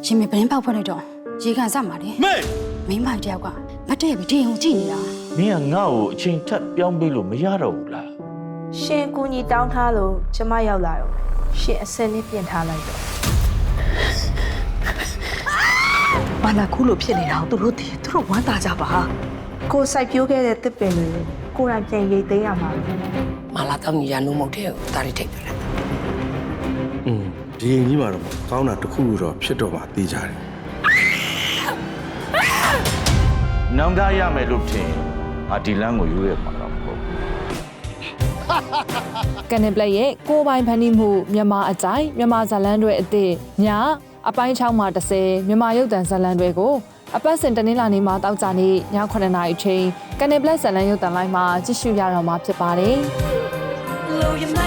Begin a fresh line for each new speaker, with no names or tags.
ရှင်မေပရင်ပေါက်ဖွက်လိုက်တော့ရေကန်စမှာလေမိမိုင်တယောက်ကမတည့်ပြီးတင်အောင်ကြည့်နေတာ
မင်းကငါ့ကိုအချိန်ထပ်ပြောင်းပေးလို့မရတော့ဘူးလား
ရှင်ကူညီတောင်းထားလို့ကျမရောက်လာတော့ရှင်အစင်းလေးပြင်ထားလိုက်တော့
ဘာလာခုလိုဖြစ်နေတာသူတို့ဝမ်းသာကြပါ
ကိုစိုက်ပျိုးခဲ့တဲ့တစ်ပင်တွေကိုယ်တိုင်ပြန်ရိတ်သိမ်းရမှာ
မာလာတောင်းညီရနိုးမုတ်တဲ့ကိုဒါရီထိတ်ပြလိုက်
ဒီရင်ကြီးမှာတော့ကောင်းတာတစ်ခုတော့ဖြစ်တော့မှသိကြတယ်
နောင်တရမယ်လို့ထင်ငါဒီလမ်းကိုရွေးရမှာတော့မဟုတ်ဘူး
ကနေပလက်ရဲ့ကိုပိုင်ဖန်တီးမှုမြန်မာအကြိုက်မြန်မာဇာလန်တွေအသည့်ညအပိုင်း6မှာ30မြန်မာရုပ်သံဇာလန်တွေကိုအပတ်စဉ်တနင်္လာနေ့မှာတောက်ကြနေ့ည9:00နာရီအချိန်ကနေပလက်ဇာလန်ရုပ်သံလိုင်းမှာကြည့်ရှုရတော့မှာဖြစ်ပါတယ်